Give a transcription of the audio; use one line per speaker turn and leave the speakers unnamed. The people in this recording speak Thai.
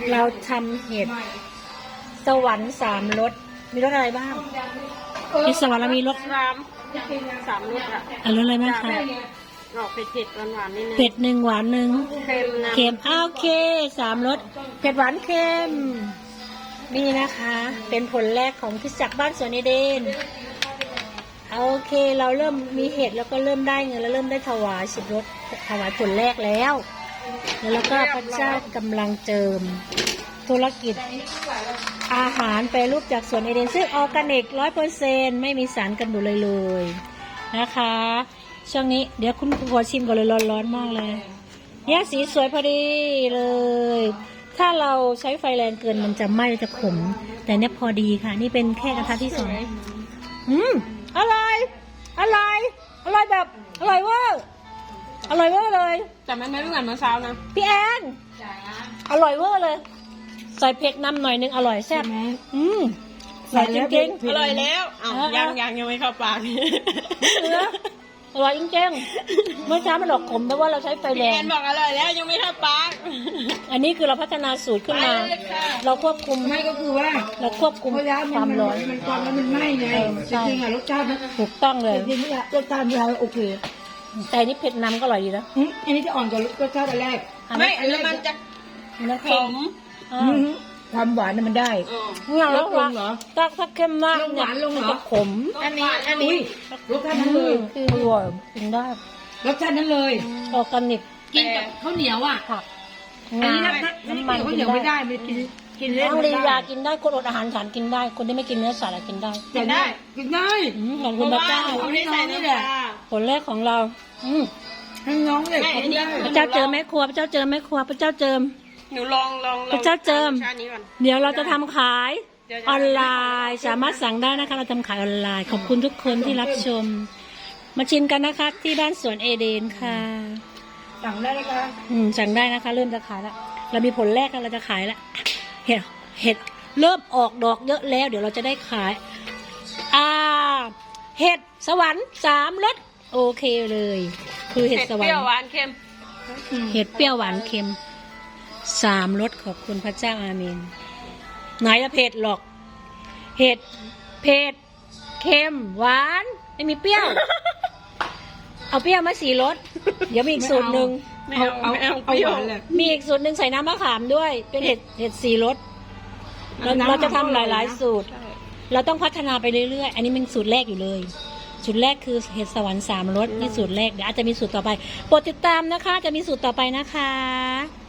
เราทำเห็ดสวรรค์3 รสมีรสอะไรบ้างเห็ดสวรรค์เรามีรส
3 รสอ่ะ
รสอะไรบ้างคะ
ออกเผ็ดหวานๆนิดนึง
เผ็ด1หวาน1
เค็มนะ
เค็มโอเค3 รสเผ็ดหวานเค็มนี่นะคะ เป็นผลแรกของคริสตจักรบ้านสวนเอเดนโอเคเราเริ่มมีเห็ดแล้วก็เริ่มได้เงินแล้วเริ่มได้ถวาย10 รสถวายผลแรกแล้วแล้วก็พระเจ้ากำลังเจิมธุรกิจอาหารแปรรูปจากสวนเอเดนซึ่งออร์แกนิก 100% ไม่มีสารกันบูดเลยนะคะช่วงนี้เดี๋ยวคุณผัวชิมก่อนเลยร้อนมากเลยเนี่ยสีสวยพอดีเลยถ้าเราใช้ไฟแรงเกินมันจะไหม้จะขมแต่เนี่ยพอดีค่ะนี่เป็นแค่กระทะที่2อร่อยอร่อยอร่อยแบบอร่อยเวอร์อร่อยเวอร์เลย
แต่มันไม่เหมือนเมื่อเช้านะ
พี่แอนอร่อยเวอร์เลยใส่เผ็ดน้ำหน่อยนึงอร่อยแซ่บใส่จริงๆ
อร่อยแล้วยังไม่เข้าปาก
อร่อยจริงๆเมื่อเช้ามันหลอกขมแต่ว่าเราใช้ไฟแร
แอง นบอกอร่อยแล้วยังไม่เข้าปาก
อันนี้คือเราพัฒนาสูตรขึ้นมาเราควบคุม
ไม่ก็คือว่า
เราควบคุม
เพราะว่า
ความร้อน
มันความแล้วมันไหม้ไงจริงๆอะรสชาตินะ
ถูกต้องเลย
จริงๆอะรสชาติมันโอเค
แต่นี่เผ็ดน้ำก็อร่อยดีนะ
อันนี้จะอ่อนกว่ารสชาติอันแรก
ไม่อันนั้นมันจะ
น้ำ
ข
เค็ม
ม
ความหวานน่ะมันได้
เนี่ยแล้ว
ลงเหรอ
ถ้าเค็มมาก
ลงหวานลงเหรอ
มัจะขม
อันนี้
รสชาตินั้นเลย
อร่อยกินได้
รสชาตินั้นเลย
ออร์แกนิก
กินกับข้าวเหนียวอ่ะ
ผัก
อันนี้
งา
น้ำ
น้ำมัน
ข้าว
กิ
เหนี
น
ยวไม่
ได้
ได้มันกินเล่น
น้อง
ไม่
ลี
ได้
ยากินได้คนอดอาหารฉันกินได้ คนที่ไม่กินเนื้อสัตว์อะกินได้
กินได้กินได้
ขอบ
เพ
คุณ
ราะ
พระ
ว่า
เจ้า
เขาไม่ใส่น้ำปลา
ผลแรกของเรา
ให้น้องเลยกินได้
พระเจ้าเจอแม่ครัวพระเจ้าเจอแม่ครัวพระเจ้าเจิม
หนูลอง
พระเจ้าเจิม
ชาตินี้ก่อน
เดี๋ยวเราจะทำขายออนไลน์สามารถสั่งได้นะคะ เราทำขายออนไลน์ ขอบคุณทุกคนที่รับชม มาชิมกันนะคะที่บ้านสวนเอเดนค่ะ
สั่งได้เลยค่ะ
สั่งได้นะคะ เริ่มจะขายแล้วเรามีผลแรกแล้วเราจะขายแล้วเห็ดเริ่มออกดอกเยอะแล้ว เดี๋ยวเราจะได้ขายเห็ดสวรรค์3 รสโอเคเลย คือเห็ดสวร
เป
ร
รี้ยว
ค์
หวานเค็ม
เห็ดเปรี้ยวหวานเค็ม3 รสขอบคุณพระเจ้าอาเมนไหนละเผ็ดหรอกเห็ดเผ็ดเค็มหวานไม่มีเปรี้ยว เอาเปรี้ยวมา4 รสเดี๋ยวมีอีกสูตรหนึ่ง
ไม่เอาเปรี้ยว
หวานเลย
มีอีกสูตรหนึ่งใส่น้ำมะขามด้วย เป็นเห็ด4 รสเราจะทำหลายๆสูตร เราต้องพัฒนาไปเรื่อยๆอันนี้เป็นสูตรแรกอยู่เลยสูตรแรกคือเห็ดสวรรค์3 รสนี่สูตรแรกเดี๋ยวอาจจะมีสูตรต่อไปโปรดติดตามนะคะจะมีสูตรต่อไปนะคะ